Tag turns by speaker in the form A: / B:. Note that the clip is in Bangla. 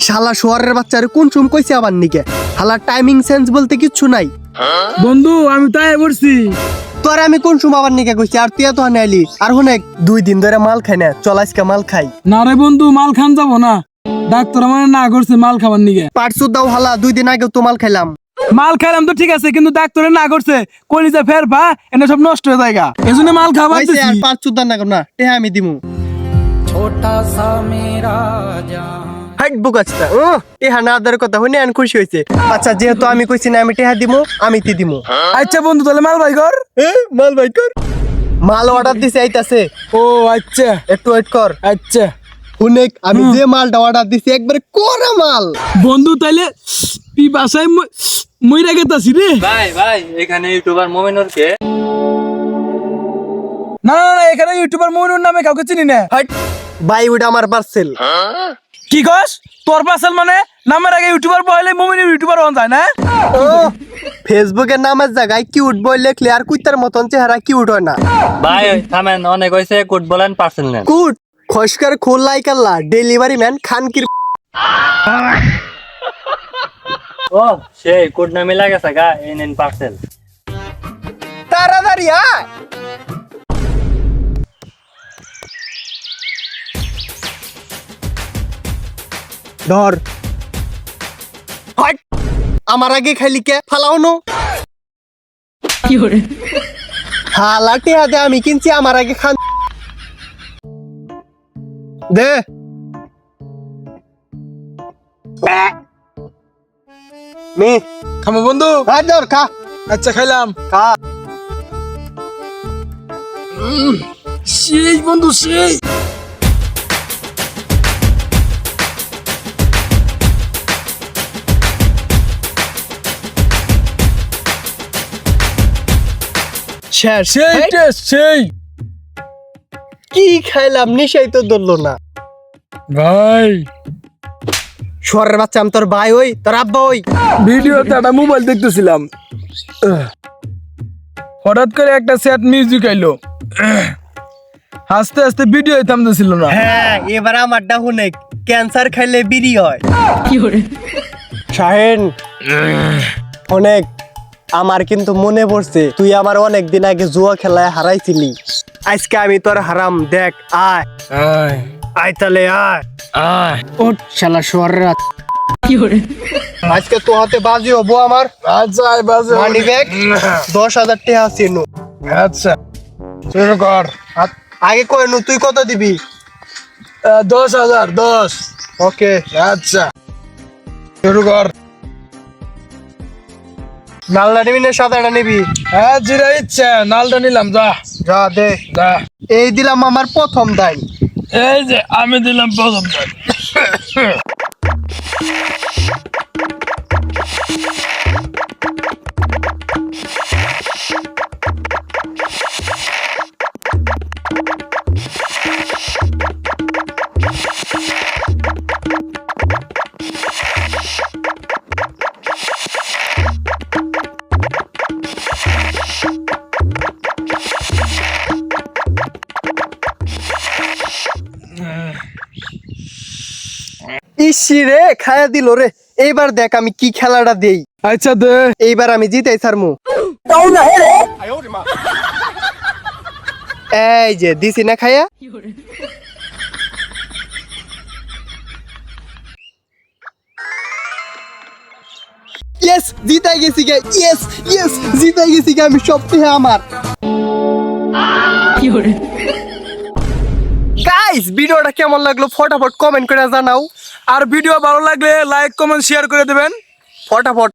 A: শালা শহরের বাচ্চারে কোন চুম কইছে আবার নিকে শালা টাইমিং সেন্স বলতে কিচ্ছু নাই।
B: বন্ধু আমি তাই বলছি
A: তোরে আমি কোন চুম আবার নিকে কইছি আর তুই তো আইলি আর হুনে 2 দিন ধরে মাল খাই না, চল আজকে মাল খাই।
B: না রে বন্ধু মাল খান যাবো না, ডাক্তার মানে না করছে মাল খাবার নিগে।
A: পাটসুদ দাও হালা 2 দিন আগে তো মাল খাইলাম।
B: মাল খাইলাম তো ঠিক আছে, কিন্তু ডাক্তারে না করছে কলিজা ফের পা এনে সব নষ্ট হয়ে যায়, এজন্য মাল খাবার
A: হইছে আর পাটসুদ দাও না কর না, টেহা আমি দিমু।
C: छोटा सा मेरा जहां
A: হাইট বুকাচটা টেহা না দের কথা হইনি আন খুশি হইছে। আচ্ছা যেহেতু আমি কইছি না আমি টেহা দিমু, আমি তি দিমু।
B: আচ্ছা বন্ধু তাহলে মাল ভাই কর।
A: মাল ভাই কর, মাল অর্ডার দিছে আইতাছে,
B: ও আচ্ছা
A: একটু ওয়েট কর।
B: আচ্ছা
A: হুনেক আমি যে মালটা অর্ডার দিছি একবারে কোরা মাল।
B: বন্ধু তাইলে বাসায় মইরা গেতাছি রে।
D: ভাই ভাই এখানে ইউটিউবার মোমিনুর কে?
B: না না না, এখানে ইউটিউবার মইনুর নামে কাউকে চিনি না।
A: হাইট ভাই ওটা আমার পার্সেল।
B: কি কস তোর পার্সেল মানে? নামের আগে ইউটিউবার বলে মমিনুর ইউটিউবার হন যায় না?
A: ও ফেসবুকের নামের জায়গায় কিউট বই লেখলে আর কুত্তার মতন চেহারা কিউট হয় না।
D: ভাই থামেন, অনেক হয়েছে, কোড বলেন, পার্সেল নেন।
A: কুট খসকার খোল লাইকাল্লা ডেলিভারি ম্যান খানকির।
D: ও সেই কোড না মিলা গেছে গা, এই নেন পার্সেল।
A: তাড়াতাড়ি আয়। ধর হাট, আমার আগে খাইলি কে ফালাও নো হালাটে হাতে আমি কিনছি, আমার আগে খান দে। মে
B: খামো বন্ধু।
A: হাত ধর খা
B: আচ্ছা খাইলাম।
A: খা।
B: সেই বন্ধু সেই।
A: শেষ
B: সেই
A: হেই,
B: টেস্ট সেই।
A: কি খাইলাম নিশাই তো ধরলো না।
B: ভাই
A: শহরের বাচ্চা আমি তোর ভাই ওই তোর আব্বা ওই।
B: ভিডিওতে একটা মোবাইল দেখতেছিলাম, হঠাৎ করে একটা স্যাড মিউজিক আইলো, হাসতে হাসতে ভিডিও থামতেছিল না।
A: হ্যাঁ এবার আমারটা হুনে ক্যান্সার খাইলে বিড়ি হয়। শাহেন অনেক আমার কিন্তু মনে পড়ছে তুই আমার অনেক দিন আগে জুয়া খেলায় হারাইছিলি, আজকে আমি তোর হারাম দেখ। আয়
B: আয়
A: আয় তাহলে আয়
B: আয়।
A: ও শালা শহরের আজকে তো হাতে বাজি হবো আমার।
B: আচ্ছা আয় বাজে।
A: মানি ব্যাগ 10,000 টাকা আছে নু।
B: আচ্ছা শুরু কর।
A: আগে কই নু তুই কত দিবি?
B: 10,000 10।
A: ওকে
B: আচ্ছা শুরু কর।
A: নালটা নিবি না সাদাটা নিবি?
B: হ্যাঁ যেটা ইচ্ছা, নালটা নিলাম, যা
A: যা দে।
B: যা।
A: এই দিলাম আমার প্রথম দাই।
B: এই যে আমি দিলাম প্রথম।
A: ইসি রে খায়া দিল রে। এইবার দেখ আমি কি খেলাটা দেই।
B: আচ্ছা দে।
A: এইবার আমি জিতাই ছাড়মু। এই যে দিছি না খায়া। ইয়েস জিতাই গেছি গে। ইয়েস ইয়েস জিতাই গেছি গে, আমি সব থেকে আমার। গাইস ভিডিওটা কেমন লাগলো ফটাফট কমেন্ট করে জানাও।
B: আর ভিডিও ভালো লাগলে লাইক কমেন্ট শেয়ার করে দেবেন
A: ফটাফট